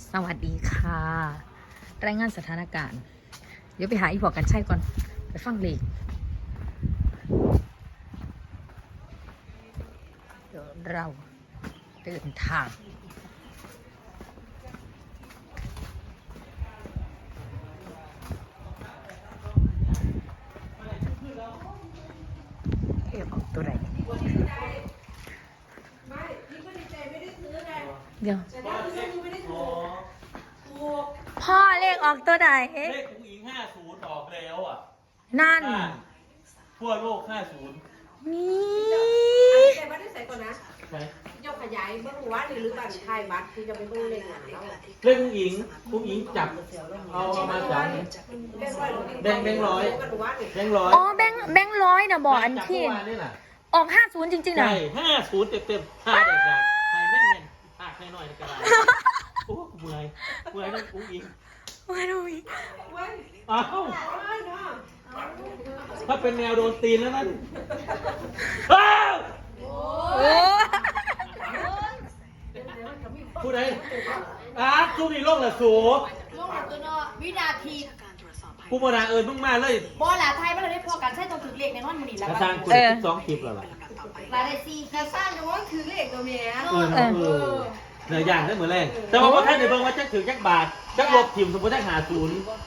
สวัสดีค่ะ รายงานสถานการณ์ เดี๋ยวไปหาอีพอกันใช่ก่อน ไปฟังเลขเดี๋ยวเราเดินทางเออกตัวไหนเดี๋ยวพ่อเลขออกตัวไหนเลขผู้หญิง50ออกแล้วอ่ะนั่นทั่วโลก50 นี่แต่ว่าได้ใส่ก่อนนะใช่ยกขยายเบื้องว่าหรือบัตรไทยบัตรที่จะไปเบื้องเล่นงานแล้วเลขผู้หญิงจับเอามาจากแบงค์ร้อยอ๋อแบงค์ร้อยนะบอกอันที่จับเมื่อวานนี่น่ะออก50จริงๆนะใช่50เต็มๆ5เด็กๆให้แน่นๆปากหน่อยๆก็ได้โอ้เมื่อยนั่นผู้หญิงมาดูอีกอ้าวถ้าเป็นแนวโดนตีนแล้วนั่นอ้าวโอ้ผู้ใดสู้นี่โลกละสูลูกหลับตัวเนาะวินาทีกูมาด่ามึงมาเลยบอลหลาไทยมันเลยได้พอกันใช่ตรงถึงเลขในห้องมันนี่แล้วกระก็ซังคุณ12คลิปแล้วล่ะหลาได้ซีแต่สร้างจะว่าคือเลขตัวเมียเหนือย่างได้เหมือนแรงแต่ว่าพอท่านในเบิ่งว่าจะถือจักบาทจักลบถิ่มสมมติจัก50 50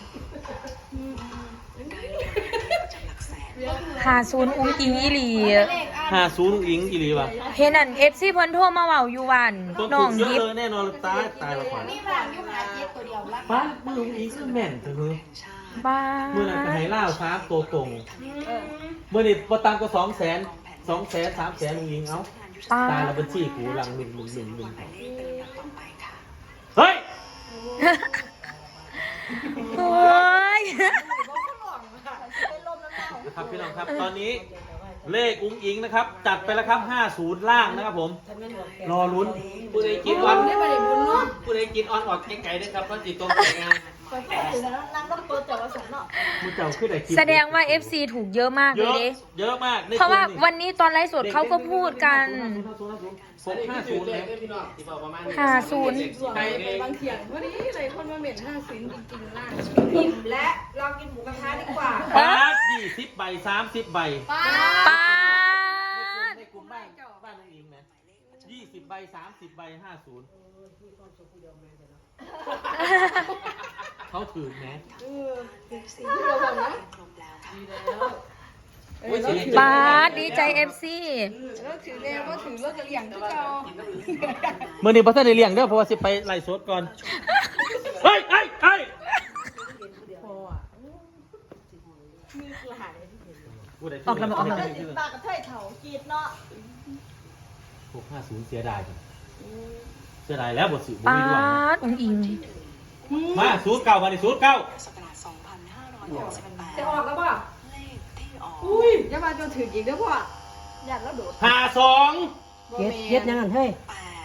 อุ้งอิงอีหลีเลขอ่าน 50อิงอีหลีว่ะเห็นอัน FC เพิ่นโทรมาเว้าอยู่วันต้นน้ทุองนเยอะยิบเลยแน่นอนตายละก่อนมีพลังอยู่หาเจ็ดตัวเดียวละป้าลุงอิงคือแม่นเถอะบ้าเมื่อนั้นก็ให้ล่าวฟ้าโตตรงเมื่อนี้ประตังก็200,000 200,000 300,000ลุงอิงเอ้าป้าตายแล้วบัญชีกูหลัง1เฮ้ยโอ้ยนะครับพี่น้องครับตอนนี้เลขอุ้งอิงนะครับจัดไปแล้วครับ50ล่างนะครับผมรอลุ้นผู้ใดกินออนผู้ใดกินออนออกไกลๆด้วยครับเพราะจิตตรงใจงานมือเจ้าขึ้นไหนกินแสดงว่า FC ถูกเยอะมากเยเลยอะเด้เยอะมากเพราะว่าวันนี้ตอนไลฟ์สดเขาก็พูดกัน 650เลย 50 ไปบางเถียงวันนี้เลยคนมาเหม็น50จริงๆล่ะอิ่มและเรากินหมูกระทะดีกว่าบาท20 ใบ 30 ใบป้าดในกลุ่มบ้านลุงอิงนะ20 ใบ 30 ใบ 50เขาถือแมสป้าดดีใจ FC แล้วถือแนวก็ถือเลิกกระเหลี่ยงทุกเจ้าเมื่อนี้พระท่านได้เลี้ยงเด้อเพราะว่าสิไปไล่สดก่อนเฮ้ยออกแล้วตากับเทยเถากีดเนาะ 650เสียดายจังเสียดายแล้วบทสิบุป้ามีดวงดอุ้งอิงมา09มาดิ09 จะออกแล้วป่ะอุ้ยอย่ามาจนถึงอีกแล้วป่ะอยากแล้วโดด 52 เย็ดยังไงเฮ้ย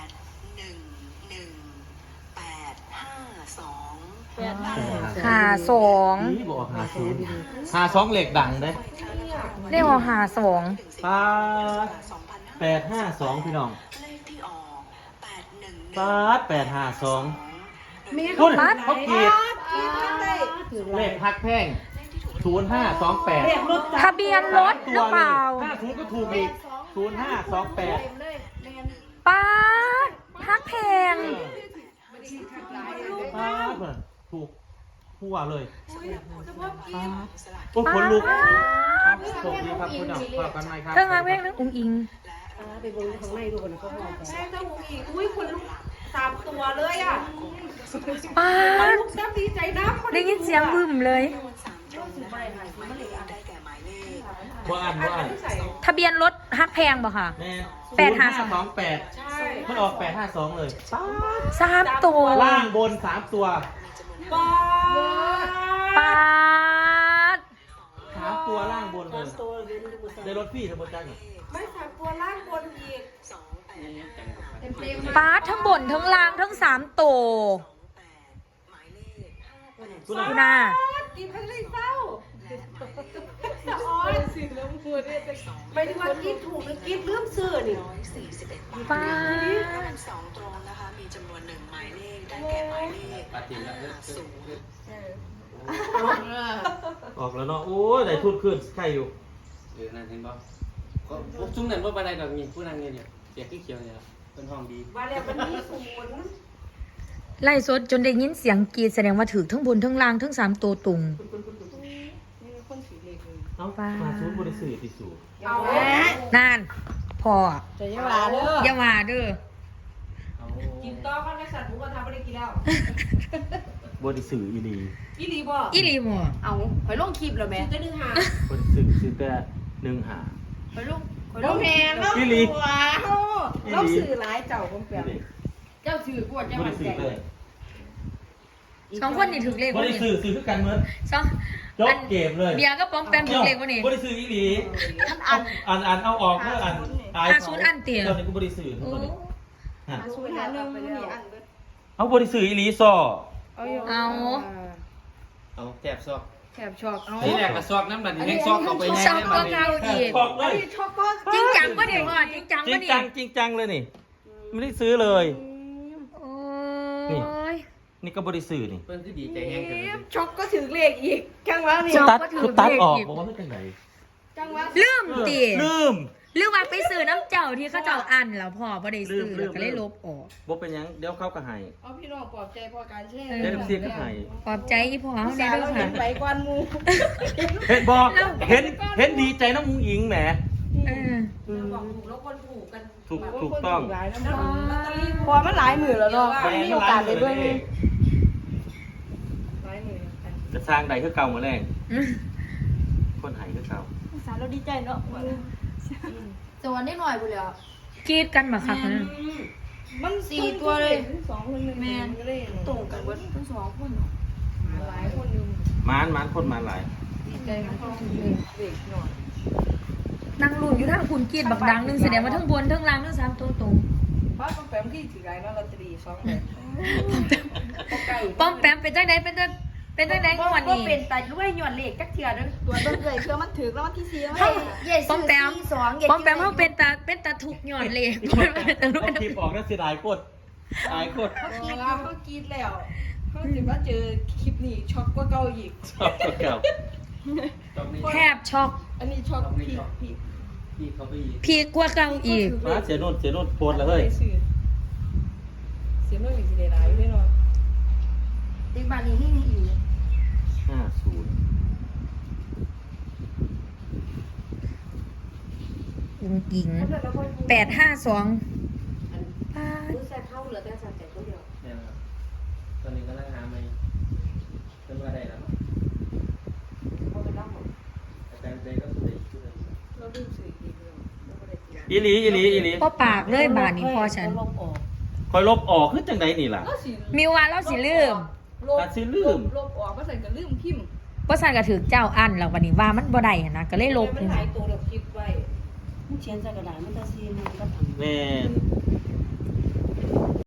52 นี่บอก52เหล็กดังเด้เลขออก52 ป้า852พี่น้องป้า852 มีคุณเขากรีดได้เลขพักแพ่ง0528 ทะเบียนรถหรือเปล่า 50ก็ถูกอีก0528 ป้าดฮักแพงป้าดเหมือนถูกหัวเลยป้าดโอ้ขนลุกครับสวัสดีครับคุณดำฝากกันไหมครับเครื่องรักเวกนึกอุ้งอิงไปบนข้างในดูกันนะเขาบอกแม่เจ้าหูอีกอุ้ยคนลุก3 ตัวเลยอ่ะป้าดลูกแซ่บดีใจนะได้ยินเสียงบึ้มเลยว่าอ่านทะเบียนรถฮักแพงบ่ค่ะแม่ 852 ใช่มันออก852เลยป้าด 3 ตัวล่างบน3ตัวป้าป้าด 3ตัวล่างบนเลยได้รถพี่ทั้งหมดจังไม่3 ตัวล่างบนอีกเต็มป้าดทั้งบนทั้งล่างทั้ง3ตัวคุณดูน่ะหน้ากินข้างในเศร้าสะออนสิแล้วมือเนี่ยไม่ได้ว่ากินถูกหรือกินเรื่องซื้อนี่ป้าด 2 ตรงนะคะ มีจำนวน1 หมายเลขได้แก่หมายปาตินแล้วออกแล้วเนาะโอ้ยได้ทุนขึ้นใครอยู่นั่นเห็นป่ะก็พวกซุ้มนั่นว่าอะไรแบบนี้ผู้นั่งเนี่ยเสียขี้เขียวเนี่ยเป็นห้องดีว่าแล้วมันมีศูนย์ไล่สดจนได้ยินเสียงกรีดแสดงว่าถือทั้งบนทั้งล่างทั้ง3ตัวตรงนี่คนสีเหล็กเลยเอ้ามาซูนบริสุทธิ์ติสูเอานานพอจะยังว่าเด้ออย่าว่าเด้อกินต่อข้าวในสัตว์หมูกระทะไม่ได้กินแล้วบริสุทธิ์อีหลีอีหลีบ่อีหลีบ่เอาหอยลงคลิปแล้วแม่จะนึงหาบริสุทธิ์ซื้อแต่1 หาหอยลงเราแมนเราอีหลีว้าวเราสื่อหลายเจ้าคงเปลี่ยนเจ้าถือกวดเจ้าบหัรินสุทใจธิ์เลยสองคนนี่ถือเลขบวะรินี่สุทธิ์ซื้อคือกันเหมือนสองยกเกมเลยเบียร์ก็ป้อมแปมถือเลขวะนี่บริสุทธิ์อีหลีอันอันเอาออกเมื่ออันตายศูนย์อันเตี๋ยตอนนี้กูบริสุทธิ์โอ้ตอนนี้ฮะศูนย์หาหนึ่งนี่อันเบิดเอาบริสุทธิ์อีหลีซอเอาอยู่เอาเอาแถบซอกแถบช็อกเอานี่แหละกระซอกน้ำบันแห้งซอกเอาไปสองตัวเก่าอีกบอกเลยช็อกก็จริงจังปะเนี่ยพ่อจริงจังจริปะงเนี่จัยงจริงจังเลยนี่ไม่ได้ซื้อเลยโอ้ยนี่ก็บริสุทธิ์นี่เพิ่นคือดีใจแห้งกันเลยช็อกก็ถือเลขอีกจังหวะนี่ช็อกตัดก็ถือคือตัดออกเลขอีกบอกว่าเพื่อนไหนจังหวะลืมตีลืมหรือว่าไปซื้อน้ำเจ้าที่เขาเจ้าอันแล้วพ่อบ่ได้ซื้อลืมก็เลยลบออกบอกเป็นหยังเดี๋ยวเขาก็ให้เอาพี่น้องปลอบใจพอการแช่เดี๋ยวเสียก็ให้ปลอบใจอีพ่อเขาสาได้วด้วยเราเห็ค่ะนไปกวนมูเห็นบอกเห็นดีใจน้องมุ้งอิงแหมเออบอกถูกแล้วคนถูกกันถูกต้องหลายน้ำมันพอมันหลายหมื่นแล้วเนาะไม่มีโอกาสได้เบิ่งหลายหมื่นกันจะสร้างใดคือเก่ามาแรงอืมคนไห้คือเก่าสารเราดีใจเนาะสวรรค์ได้หน่อยพุ่นแล้วกรีดกันมาคักนะมัน 4ตัวเลยสองคนแมนก็เลยตรงกันเบิดทั้ง2คนหลายคนอยู่มานคนมาหลายดีใจมันต้องเด็กหน่อยนั่งลุ้นอยู่ทางคุณกรีดบักดังหนึงแสดงว่าทั้งบนทั้งล่างทั้ง3ตัวตรงเพราะแปมที่ถือไรแล้วลอตเตอรี่2ใบป้อมแปมเป็นจังไดเป็นจังได๋งวดบ่นี้เป็นตาด้วยยอดเลขจักเทื่อเด้อตัวเบิ่งเลยเพื่อมันถือแล้วมันที่4 เฮ้ยเย่ป้อมแปม 2 ป้อมแปมเฮาเป็นตาทุกข์ย้อนเลขเอาคลิปออกแล้วเสียดายกดตายกดเขากรีดแล้วเขาจะมาเจอคลิปนี้ช็อกกว่าเก่าอีกชอบเก่าตรงนี้แทบช็อกอันนี้ช็อกพีพี่เขาไปอีกพีกกว่าเก่าอีกมาเสียโน่นโพสแล้วเฮ้ยเสียโน่นอีกสิได้หลายอยู่แน่นอนเด็กบ้านนี้ให้อยู่ 50 อุ้งอิง852ป้าดรู้แซ่เข้าเหลือแต่สัตว์ใจตัวเดียวเนี่ยครับตอนนี้ก็นั่งหาไม่เป็นว่าได้แล้วเขาไปรับหมดอาจารย์ใจก็สุดเลยเราดูสื่ออีกแล้วเราไม่ได้เสียอีหลีบ่ปากเลยบาดนี้พ่อฉันลบออกคอยลบออกคือจังไดนี่ล่ะก็สิมีว่าเราสิลืมอาจสิลืมลบออกก็ใส่กับลืมพิมพ์บ่ซั่นก็ถือเจ้าอันแล้ววันนี้ว่ามันบ่ได้หันนะก็เลยลบมันหลายตัวเราคิดไว้มันเขียนใส่กระดาษมันจะซีมันก็ทำแม่น